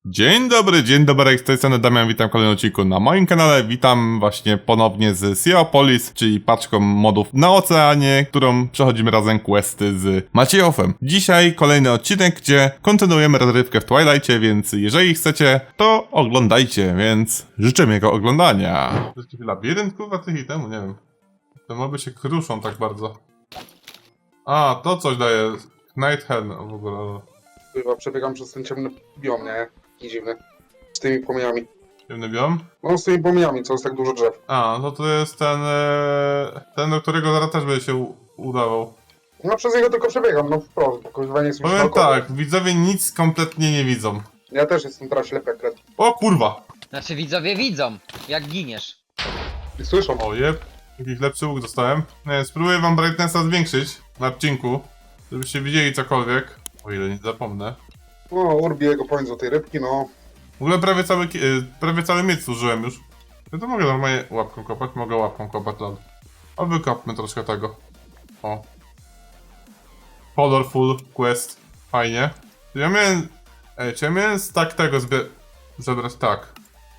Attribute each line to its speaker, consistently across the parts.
Speaker 1: Dzień dobry, z tej strony Damian, witam w kolejnym odcinku na moim kanale. Witam właśnie ponownie z Seapolis, czyli paczką modów na oceanie, którą przechodzimy razem questy z Maciejowem. Dzisiaj kolejny odcinek, gdzie kontynuujemy rozrywkę w Twilightie, więc jeżeli chcecie, to oglądajcie, więc życzę miłego oglądania. To jest jakiś labirynt, kurwa, tych temu, nie wiem. Te moby się kruszą tak bardzo. A, to coś daje. Night Hen, w ogóle.
Speaker 2: Chyba przebiegam przez ten ciemny biom, nie? Taki dziwny. Z tymi płomieniami.
Speaker 1: Ciemny biom?
Speaker 2: No z tymi płomieniami, co jest tak dużo drzew.
Speaker 1: A, no to jest ten, ten, do którego zaraz też będzie się udawał.
Speaker 2: No przez niego tylko przebiegam, no wprost, bo kurwa nie jest mi
Speaker 1: Powiem
Speaker 2: środkowy.
Speaker 1: tak, widzowie nic kompletnie nie widzą.
Speaker 2: Ja też jestem teraz ślepy jak kret.
Speaker 1: O kurwa!
Speaker 3: Znaczy widzowie widzą, jak giniesz.
Speaker 2: I słyszą.
Speaker 1: O jeb, jakiś lepszy łuk dostałem. Nie, spróbuję wam brightnessa zwiększyć na odcinku, żebyście widzieli cokolwiek. O ile nie zapomnę.
Speaker 2: No, Urbiego powiedz o tej rybki, no.
Speaker 1: W ogóle prawie cały miecz zużyłem już. Ja to mogę normalnie łapką kopać, mogę łapką kopać, lol. A wykopmy troszkę tego. O. Colorful quest. Fajnie. Ja miałem... czy ja miałem stack tego zebrać tak.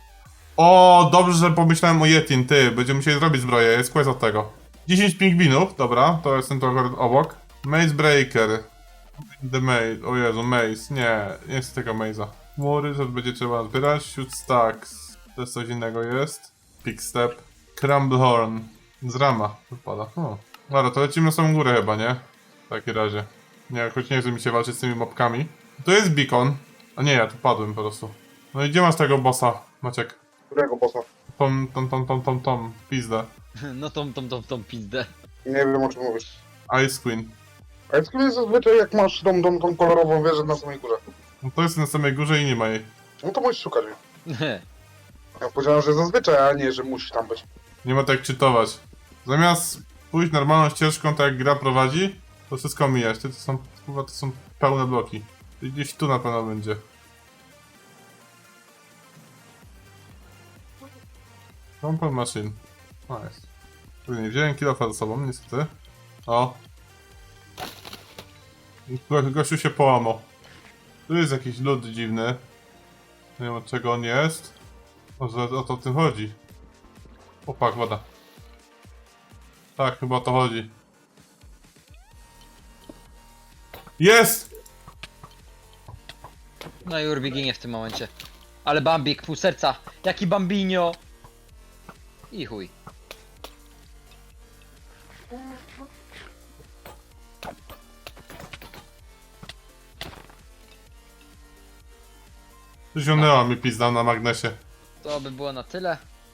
Speaker 1: O, dobrze, że pomyślałem o Yetin, ty. Będziemy musieli zrobić zbroję, jest quest od tego. 10 pingwinów, dobra, to jestem trochę obok. Maze Breaker. The Maze, o Jezu, Maze, nie chcę tego Maze'a. Mury, to będzie trzeba zbierać. Shoot Stacks, to jest coś innego jest. Pick Step. Crumblehorn. Z rama wypada. Dobra, to lecimy na samą górę chyba, nie? W takim razie. Nie, choć nie chce mi się walczyć z tymi mobkami. To jest beacon. A nie, ja tu padłem po prostu. No i gdzie masz tego bossa, Maciek?
Speaker 2: Którego bossa?
Speaker 1: Tom, pizdę.
Speaker 3: No tą pizdę.
Speaker 2: Nie wiem o czym mówisz.
Speaker 1: Ice Queen.
Speaker 2: A jest zazwyczaj jak masz tą kolorową wieżę na samej górze.
Speaker 1: No to jest na samej górze i nie ma jej.
Speaker 2: No to musisz szukać jej. Ja powiedziałem, że zazwyczaj, a nie, że musisz tam być.
Speaker 1: Nie ma tak czytować. Zamiast pójść normalną ścieżką, tak jak gra prowadzi, to wszystko mijać. To są, kurwa, to są pełne bloki. I gdzieś tu na pewno będzie. Compound Machine. Nice. Nie wziąłem kilofa ze sobą, niestety. O. Gościu się połamał. Tu jest jakiś lód dziwny. Nie wiem od czego on jest. O to o tym chodzi. Opak, woda. Tak, chyba o to chodzi. Jest!
Speaker 3: No i Urbi ginie w tym momencie. Ale Bambik, pół serca. Jaki Bambinio! I chuj.
Speaker 1: Zionęła mi pizda na magnesie.
Speaker 3: To by było na tyle.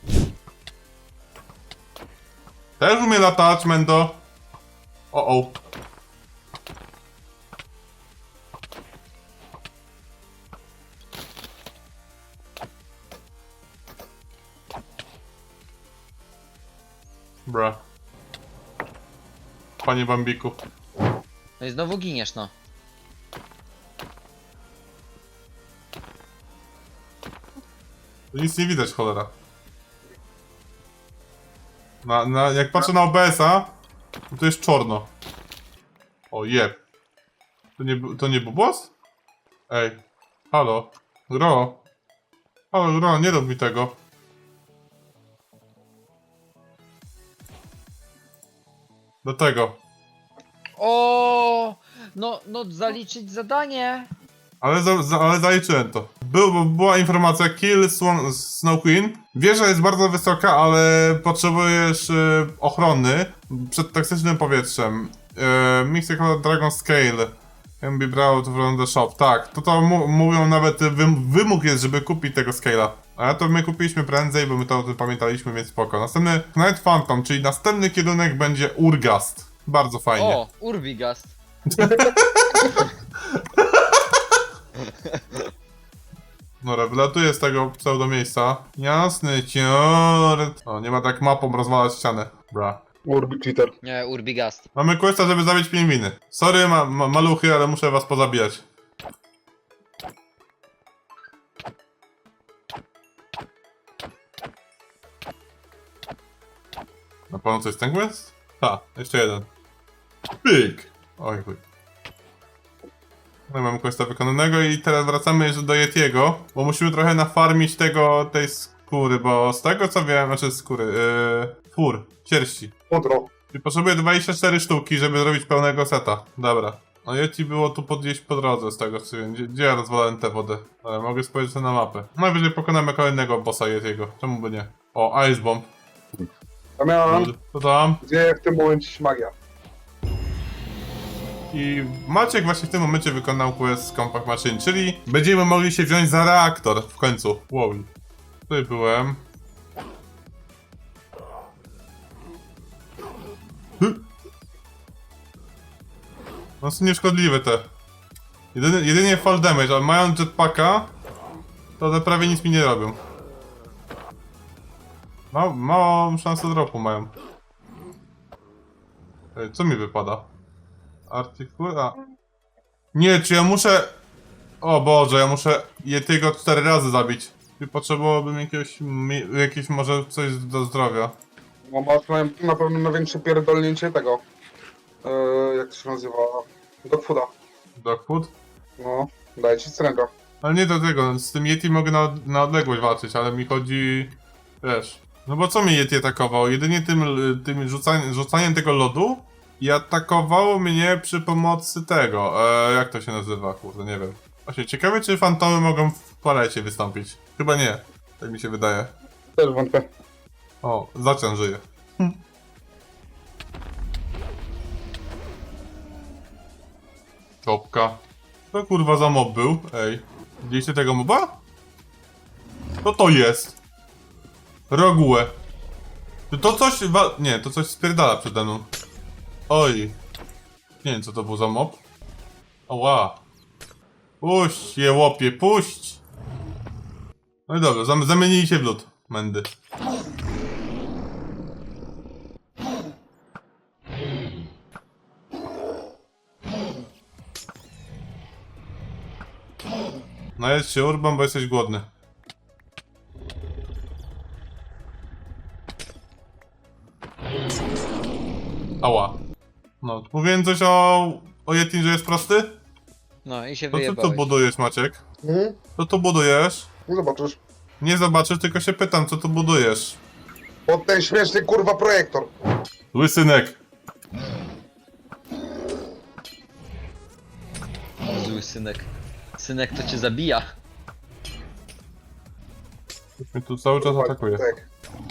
Speaker 1: Też umie latać, Mendo. O. Bra. Panie Bambiku.
Speaker 3: No i znowu giniesz, no.
Speaker 1: Tu nic nie widać, cholera. Jak patrzę na OBS-a, to jest czarno. O jeb. To nie Bubos? Ej. Halo. Gro. Halo, Gro, nie rób mi tego. Do tego.
Speaker 3: O, no zaliczyć zadanie.
Speaker 1: Ale zaliczyłem to. Była informacja Kill Snow Queen. Wieża jest bardzo wysoka, ale potrzebujesz ochrony przed toksycznym powietrzem. Mystical Dragon Scale can be brought from the shop. Tak, to mówią nawet wymóg jest, żeby kupić tego scale'a. Ale to my kupiliśmy prędzej, bo my to o tym pamiętaliśmy, więc spoko. Następny Night Phantom, czyli następny kierunek będzie Urgast. Bardzo fajnie.
Speaker 3: O, Urbigast.
Speaker 1: Dobra, wylatuję z tego pseudo miejsca. Jasny ciort. O, nie ma tak mapą rozwalać ścianę. Bra.
Speaker 2: Urbi cheater.
Speaker 3: Nie, Urbigast.
Speaker 1: Mamy questa, żeby zabić pingwiny. Sorry, maluchy, ale muszę was pozabijać. Na pewno to jest ten quest? Ta, jeszcze jeden. Pyk! Oj chuj. No i mamy questa wykonanego i teraz wracamy jeszcze do Yetiego, bo musimy trochę nafarmić tej skóry, bo z tego co wiem, znaczy skóry, fur, sierści.
Speaker 2: Pudro.
Speaker 1: I potrzebuję 24 sztuki, żeby zrobić pełnego seta. Dobra. No Yeti było tu gdzieś po drodze z tego co wiem. Gdzie ja rozwalałem tę wodę? Ale mogę spojrzeć na mapę. Najwyżej pokonamy kolejnego bossa Yetiego. Czemu by nie? O, Ice Bomb.
Speaker 2: Damian,
Speaker 1: Co tam?
Speaker 2: gdzie w tym momencie się magia?
Speaker 1: I Maciek właśnie w tym momencie wykonał quest z Compact Machine, czyli będziemy mogli się wziąć za reaktor w końcu. Wow. Tutaj byłem. No są nieszkodliwe te. Jedynie fall damage, ale mając jetpacka, to one prawie nic mi nie robią. Małą szansę dropu mają. Ej, co mi wypada? Artykuła. Nie, czy ja muszę... O Boże, ja muszę Yetiego 4 razy zabić. I potrzebowałbym jakieś może coś do zdrowia.
Speaker 2: No masz na pewno największe pierdolnięcie tego. Jak to się nazywa? Dogfooda.
Speaker 1: Dogfood?
Speaker 2: No, daję ci stręga.
Speaker 1: Ale nie do tego, z tym Yeti mogę na odległość walczyć, ale mi chodzi... Wiesz... No bo co mnie Yeti atakował? Jedynie tym rzucaniem tego lodu i atakowało mnie przy pomocy tego... jak to się nazywa? Kurde, nie wiem. Właśnie, ciekawe czy fantomy mogą w palecie wystąpić. Chyba nie. Tak mi się wydaje.
Speaker 2: Też wątpię.
Speaker 1: O, Zacian żyje. Czopka. Co kurwa za mob był? Ej. Widzieliście tego moba? Co to jest? Rogułę. Czy to coś nie, to coś spierdala przede mną. Oj. Nie wiem co to był za mob. Oła. Puść je łopie, puść! No i dobra, zamienili się w lód. Mędy. Najedz się Urban, bo jesteś głodny. Ała. No, mówiłem coś o Yetin, że jest prosty?
Speaker 3: No i się
Speaker 1: To co tu
Speaker 3: wyjebałeś.
Speaker 1: budujesz, Maciek?
Speaker 2: Mhm.
Speaker 1: Co tu budujesz?
Speaker 2: No zobaczysz.
Speaker 1: Nie zobaczysz, tylko się pytam, co tu budujesz.
Speaker 2: Pod ten śmieszny kurwa projektor.
Speaker 1: Zły synek.
Speaker 3: Zły synek. Synek to cię zabija.
Speaker 1: Mnie tu cały czas atakuje.
Speaker 2: Tak.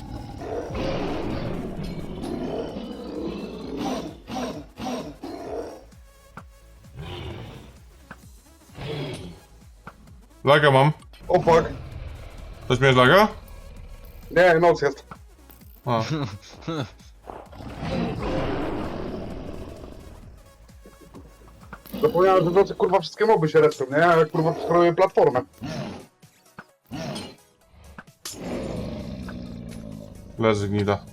Speaker 1: Laga mam.
Speaker 2: Opak.
Speaker 1: Coś miałeś laga?
Speaker 2: Nie, noc jest.
Speaker 1: A.
Speaker 2: Zapomniałem, że w nocy kurwa wszystkie moby się respią, nie? Ja kurwa steruję platformę.
Speaker 1: Leży gnida.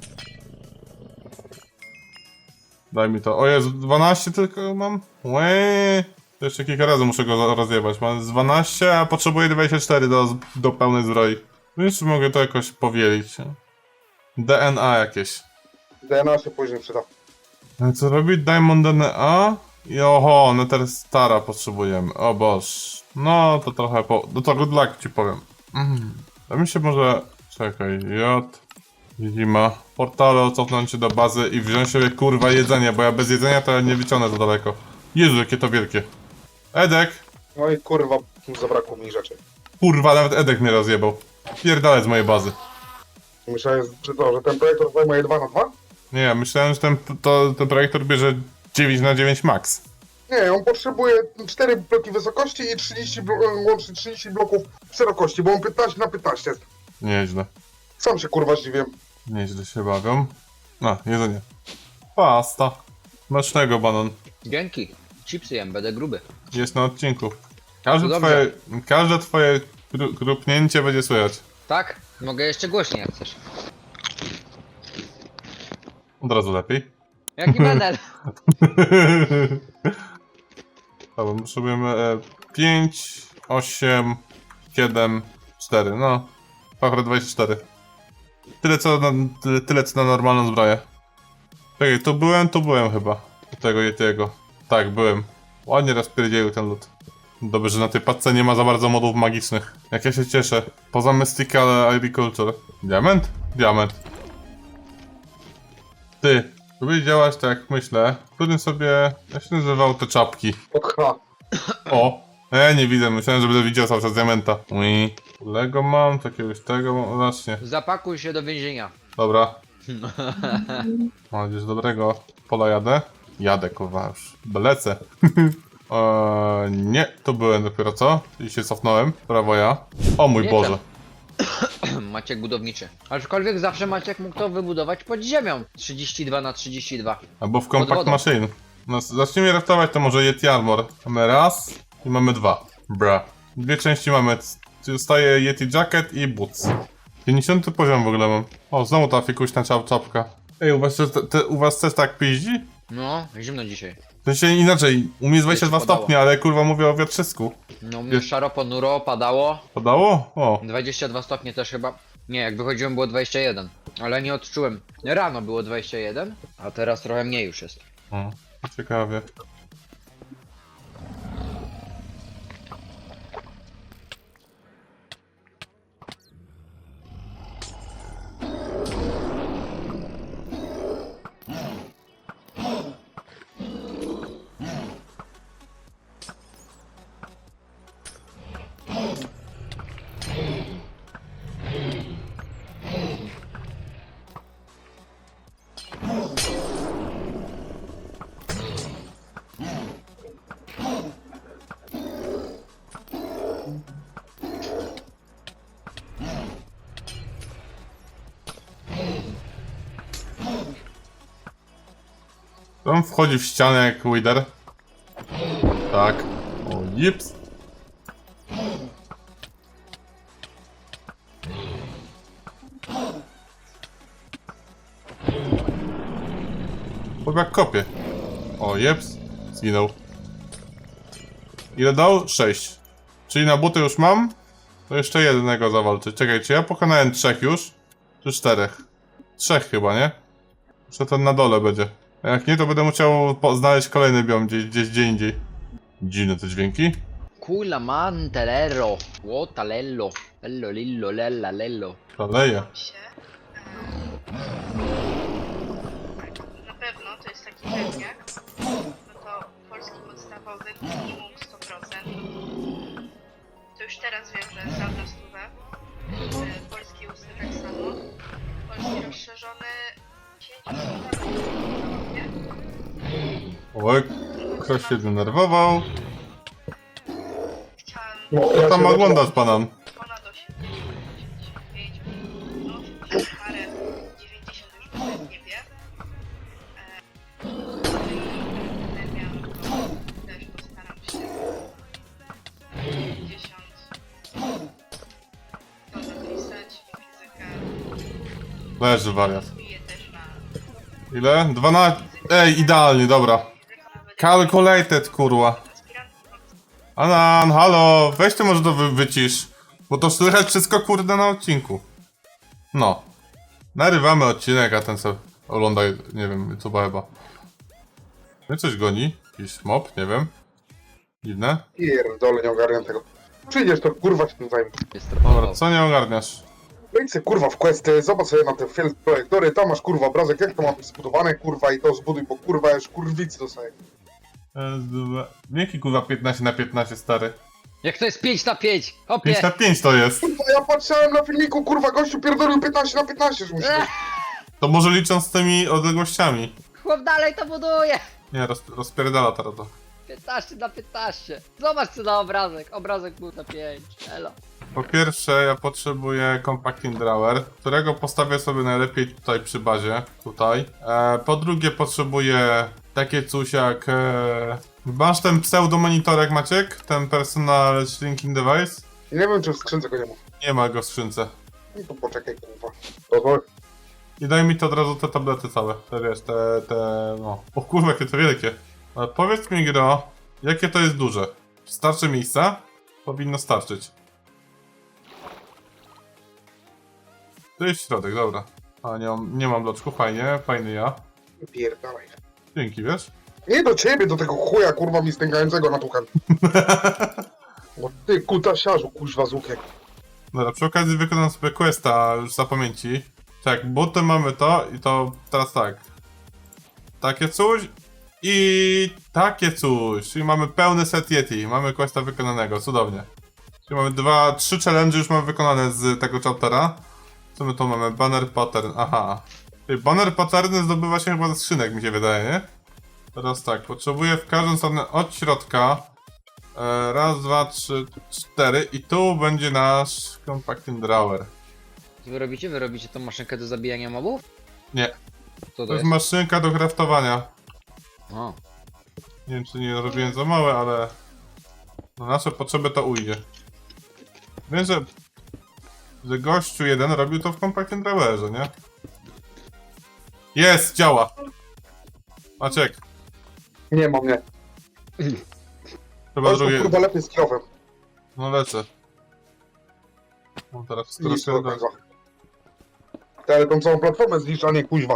Speaker 1: Daj mi to. O Jezu, 12 tylko mam? Łeee. Jeszcze kilka razy muszę go rozjebać. Mam z 12, a potrzebuję 24 do pełnej zbroi. Jeszcze mogę to jakoś powielić. DNA jakieś.
Speaker 2: DNA się później przyda.
Speaker 1: No co robić? Diamond DNA? I oho, Nether Stara potrzebujemy. O boż. No to trochę no to good luck ci powiem. To mi się może... Czekaj, Zima. Portale, cofnąć się do bazy i wziąć sobie kurwa jedzenie, bo ja bez jedzenia to nie wyciągnę za daleko. Jezu, jakie to wielkie. Edek!
Speaker 2: No i kurwa, zabrakło mi rzeczy.
Speaker 1: Kurwa, nawet Edek mnie rozjebał. Pierdalec z mojej bazy.
Speaker 2: Myślałem, że ten projektor zajmuje 2 na 2?
Speaker 1: Nie, ja myślałem, że ten projektor bierze 9 na 9 max.
Speaker 2: Nie, on potrzebuje 4 bloki wysokości i 30 łącznie 30 bloków szerokości, bo on 15 na 15 jest.
Speaker 1: Nieźle.
Speaker 2: Sam się kurwa zdziwiłem.
Speaker 1: Nieźle się bawią. A, jedzenie. Pasta. Smacznego, banan.
Speaker 3: Dzięki. Chipsy jem, będę gruby.
Speaker 1: Jest na odcinku.
Speaker 3: To dobrze.
Speaker 1: Każde twoje krupnięcie będzie słychać.
Speaker 3: Tak? Mogę jeszcze głośniej jak chcesz.
Speaker 1: Od razu lepiej.
Speaker 3: Jaki menel?
Speaker 1: Dobra, potrzebujemy 5, 8, 7, 4, no. Pachra 24. Tyle co na normalną zbroję. Czekaj, tu byłem chyba. U tego Yetiego. Tak, byłem. Ładnie rozpierdzielił ten lód. Dobrze, że na tej paczce nie ma za bardzo modów magicznych. Jak ja się cieszę. Poza Mystical Agriculture. Diament? Diament. Ty, próbuj działać tak jak myślę. Którym sobie... Jak się nazywał te czapki?
Speaker 2: Od H.
Speaker 1: O! Ja nie widzę, myślałem, że będę widział cały czas diamenta. Ui. Lego mam, takiegoś tego mam, właśnie.
Speaker 3: Zapakuj się do więzienia.
Speaker 1: Dobra. Mam nadzieję, że dobrego pola jadę. Jadę, kurwa, już. Lecę. Nie, tu byłem dopiero co? I się cofnąłem. Prawo ja. O mój
Speaker 3: Nie
Speaker 1: Boże.
Speaker 3: Maciek budowniczy. Aczkolwiek zawsze Maciek mógł to wybudować pod ziemią. 32 na 32.
Speaker 1: Albo w Compact
Speaker 3: wodą.
Speaker 1: Machine. No, zacznijmy raftować, to może Yeti Armor. Mamy raz i mamy dwa. Bra. Dwie części mamy. Zostaje Yeti Jacket i Boots. 50 poziom w ogóle mam. O, znowu ta fikuśna czapka. Ej, u was też tak piździ?
Speaker 3: No, zimno dzisiaj.
Speaker 1: W sensie inaczej, u mnie jest 22
Speaker 3: Padało.
Speaker 1: stopnie, ale kurwa mówię o wiatrzysku.
Speaker 3: No, mnie szaro, ponuro, padało.
Speaker 1: Padało? O.
Speaker 3: 22 stopnie też chyba. Nie, jak wychodziłem było 21. Ale nie odczułem. Rano było 21, a teraz trochę mniej już jest.
Speaker 1: O, ciekawie. On wchodzi w ścianę jak Wither. Tak. O, jips. Chłopak kopie. O, jeps. Zginął. Ile dał? 6. Czyli na buty już mam? To jeszcze jednego zawalczyć. Czekaj, czy ja pokonałem 3 już? Czy 4? 3 chyba, nie? Jeszcze ten na dole będzie. A jak nie, to będę musiał znaleźć kolejny biom gdzie indziej. Dziwne te dźwięki.
Speaker 3: Kula mantelero. Łotalello. Lello lillo lella lello.
Speaker 1: Szaleje.
Speaker 4: się. Na pewno to jest taki pewniak, no to polski podstawowy minimum 100%. To już teraz wiem, że sam na stówę. Polski ustny tak samo. Polski rozszerzony 5%, nie?
Speaker 1: Oj, ktoś się denerwował.
Speaker 4: Chciałam
Speaker 2: No,
Speaker 1: Co tam
Speaker 2: się
Speaker 1: oglądasz, panan?
Speaker 4: ponad 85, no 80 parę, 90 już nawet nie wiem. Też postaram się 50 to zapisać, fizykę
Speaker 1: Leży wariat.
Speaker 4: zbiję też na
Speaker 1: Ile? 12. Ej, idealnie, dobra.
Speaker 4: fizykę nawet
Speaker 1: Calculated, kurwa.
Speaker 4: aspirantów.
Speaker 1: Anan, halo, weź ty może to wycisz. Bo to słychać wszystko, kurde, na odcinku. No. Narywamy odcinek, a ten sobie ogląda, nie wiem, co chyba. Mnie coś goni? Jakiś mob, nie wiem. Dziwne.
Speaker 2: Pierdolę, nie ogarniam tego. Przyjdziesz, to kurwa się tym zajmę.
Speaker 3: Jest
Speaker 1: Dobra,
Speaker 3: trochę.
Speaker 1: co nie ogarniasz?
Speaker 2: Wejdź sobie kurwa w questy, zobacz sobie na te field projektory, tam masz kurwa obrazek, jak to ma być zbudowane kurwa i to zbuduj, bo kurwa już kurwicy dostaję.
Speaker 1: Jaki kurwa 15 na 15, stary?
Speaker 3: Jak to jest 5 na 5?
Speaker 1: 5
Speaker 3: Hopie!
Speaker 1: na 5 to jest.
Speaker 2: Kurwa, ja patrzyłem na filmiku, kurwa, gościu pierdolił 15 na 15, że musi być.
Speaker 1: To może licząc z tymi odległościami.
Speaker 3: Chłop dalej to buduje!
Speaker 1: Nie, rozpierdala teraz to.
Speaker 3: 15 na 15. Zobacz co na obrazek. Obrazek był na 5. Elo.
Speaker 1: Po pierwsze, ja potrzebuję Compacting Drawer, którego postawię sobie najlepiej tutaj przy bazie, tutaj. Po drugie, potrzebuję takie coś jak... Masz ten pseudo-monitorek, Maciek? Ten Personal Shrinking Device?
Speaker 2: Nie wiem, czy w skrzynce go nie ma.
Speaker 1: Nie ma go w skrzynce.
Speaker 2: No to poczekaj, kurwa. To
Speaker 1: I daj mi to od razu te tablety całe, te wiesz, no. O kurwa, jakie to wielkie. Ale powiedz mi, Gro, jakie to jest duże? Czy starczy miejsca? Powinno starczyć. To jest środek, dobra. A nie mam bloczku, fajnie, fajny ja.
Speaker 2: pierdalaj.
Speaker 1: Dzięki, wiesz?
Speaker 2: Nie do ciebie, do tego chuja, kurwa, mi stękającego na tuchem. Ty kutasiarzu, kuźwa z łukiem.
Speaker 1: Dobra, przy okazji wykonam sobie questa już za pamięci. Tak, buty mamy to i to teraz tak. Takie coś i takie coś. Czyli mamy pełny set Yeti. Mamy questa wykonanego, cudownie. Czyli mamy 3 challenge już mamy wykonane z tego chaptera. Co my tu mamy? Banner pattern, aha. Czyli banner patterny zdobywa się chyba ze skrzynek, mi się wydaje, nie? Teraz tak, potrzebuję w każdą stronę od środka. Raz, dwa, trzy, cztery i tu będzie nasz compacting drawer.
Speaker 3: Co wy robicie? Wy robicie tą maszynkę do zabijania mobów?
Speaker 1: Nie,
Speaker 3: Co
Speaker 1: to
Speaker 3: to
Speaker 1: jest
Speaker 3: jest?
Speaker 1: maszynka do craftowania.
Speaker 3: O.
Speaker 1: Nie wiem, czy nie robiłem za małe, ale na nasze potrzeby to ujdzie. Wiem, że gościu jeden robił to w compacting drawerze, nie? Jest, działa. Maciek,
Speaker 2: Nie mam, nie.
Speaker 1: chyba
Speaker 2: To jest
Speaker 1: drugie.
Speaker 2: kurwa lepiej z kierowem.
Speaker 1: No lecę. No teraz
Speaker 2: Nic do
Speaker 1: troszkę.
Speaker 2: końca. Ty, ale tą całą platformę zniszcz, a nie kuźwa.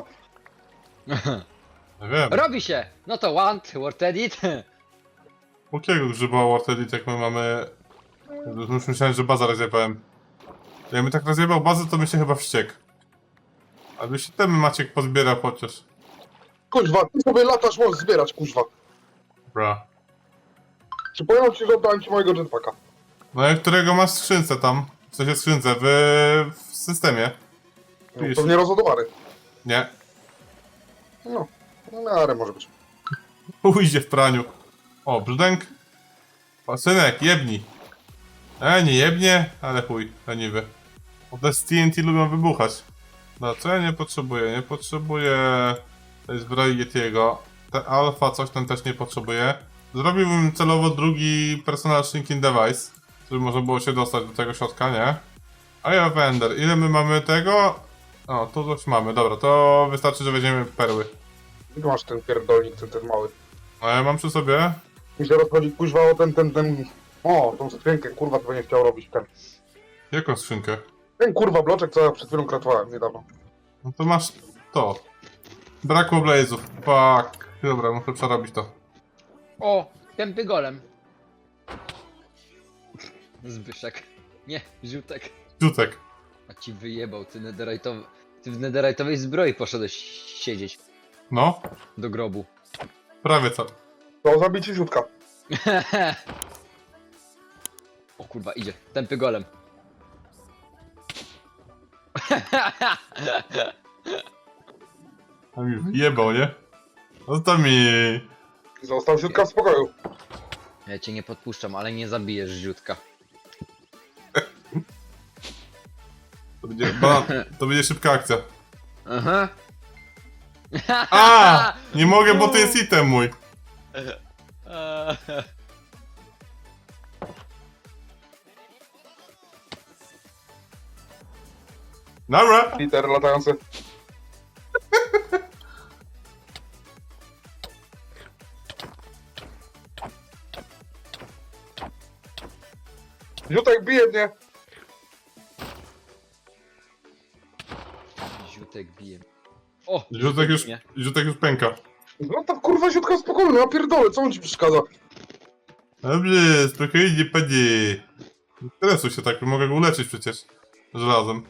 Speaker 1: Nie wiem.
Speaker 3: Robi się! No to want, word edit.
Speaker 1: Jakiego grzyba World Edit, jak my mamy... Już myślałem, że baza rozjebałem. Jakbym tak rozjebał bazę, to by się chyba wściekł. Aby się ten Maciek pozbierał chociaż.
Speaker 2: Kuźwa, ty sobie latasz, możesz zbierać, kuźwa.
Speaker 1: Bra.
Speaker 2: Przypominam ci, że oddałem ci mojego jetpacka.
Speaker 1: No i którego masz w skrzynce tam? W sensie skrzynce, w systemie.
Speaker 2: No,
Speaker 1: Pisz.
Speaker 2: pewnie rozładowany.
Speaker 1: Nie.
Speaker 2: No, no miarę może być.
Speaker 1: Ujdzie w praniu. O, brzdęk. O, synek, jebnij. Nie jebnie, ale chuj, leniwy. Bo te z TNT lubią wybuchać. No, co ja nie potrzebuję? Nie potrzebuję tej zbroi Yetiego. Te alfa coś tam też nie potrzebuję. Zrobiłbym celowo drugi personal shrinking device, żeby można było się dostać do tego środka, nie? A ja Wender, ile my mamy tego? O, tu coś mamy, dobra, to wystarczy, że weźmiemy perły.
Speaker 2: Gdzie masz ten pierdolnik, ten mały?
Speaker 1: A ja mam przy sobie.
Speaker 2: Mi się rozchodzi kuźwa o ten... O, tą skrzynkę, kurwa, to nie chciał robić ten.
Speaker 1: Jaką skrzynkę?
Speaker 2: Ten kurwa bloczek, co ja przed chwilą kratowałem niedawno.
Speaker 1: No to masz to. Brakło blazów. Fuck. Dobra, muszę przerobić to.
Speaker 3: O, tępy golem. Zbyszek. Nie, Ziutek.
Speaker 1: Rzutek.
Speaker 3: A ci wyjebał, ty netherite'owy. Ty w netherite'owej zbroi poszedłeś siedzieć.
Speaker 1: No,
Speaker 3: Do grobu.
Speaker 1: prawie co.
Speaker 2: To zabicie ziutka.
Speaker 3: O kurwa, idzie. Tępy golem.
Speaker 1: A mi wyjebał, nie? Zostaw mi.
Speaker 2: Został ziutka w spokoju.
Speaker 3: Ja cię nie podpuszczam, ale nie zabijesz Ziutka.
Speaker 1: To będzie szybka akcja.
Speaker 3: Aha.
Speaker 1: A! Nie mogę, bo to jest item mój. Dobra.
Speaker 2: Peter latający. Ziutek bije mnie.
Speaker 3: Ziutek bije. O!
Speaker 1: Rzutek już pęka.
Speaker 2: No to kurwa ziutka spokojnie, ja pierdolę, co on ci przeszkadza?
Speaker 1: Dobrze, spokojnie, panie. Nie stresuj się tak, mogę go uleczyć przecież. Żelazem.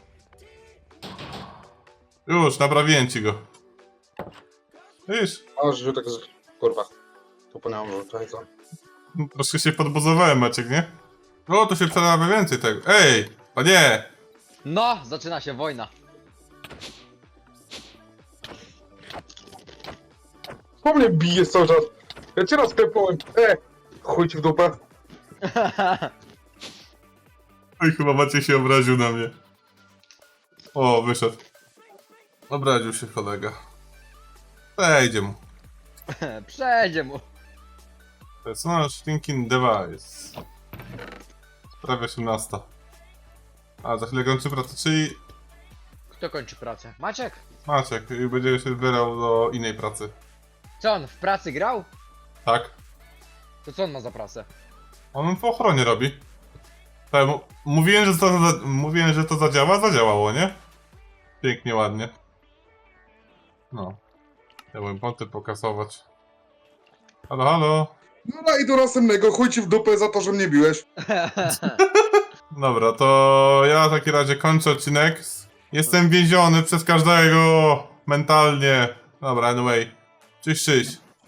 Speaker 1: Już, naprawiłem ci go. Widzisz?
Speaker 2: Aż ziutek z... kurwa. Zapomniałem, że tutaj co.
Speaker 1: Troszkę się podbuzowałem, Maciek, nie? O, tu się przerabia więcej tego. Ej! Panie!
Speaker 3: No! Zaczyna się wojna.
Speaker 2: Po mnie bijesz cały czas. Ja cię raz klepnąłem. Chuj ci w dupę.
Speaker 1: Oj, chyba Maciek się obraził na mnie. O, wyszedł. Obraził się kolega. Przejdzie mu.
Speaker 3: Przejdzie mu.
Speaker 1: Personal shrinking device. Prawie 18. A, za chwilę kończy pracę, czyli
Speaker 3: Kto kończy pracę? Maciek?
Speaker 1: Maciek i będzie się wybierał do innej pracy.
Speaker 3: Co on w pracy grał?
Speaker 1: Tak?
Speaker 3: To co on ma za pracę?
Speaker 1: On w ochronie robi. Tak, mówiłem, że to zadziała, zadziałało, nie? Pięknie, ładnie. No. Chciałbym ponty pokasować. Halo, halo.
Speaker 2: No i do następnego, chuj ci w dupę za to, że mnie biłeś.
Speaker 1: Dobra, to ja w takim razie kończę odcinek. Jestem więziony przez każdego mentalnie. Dobra, anyway. Cześć, cześć.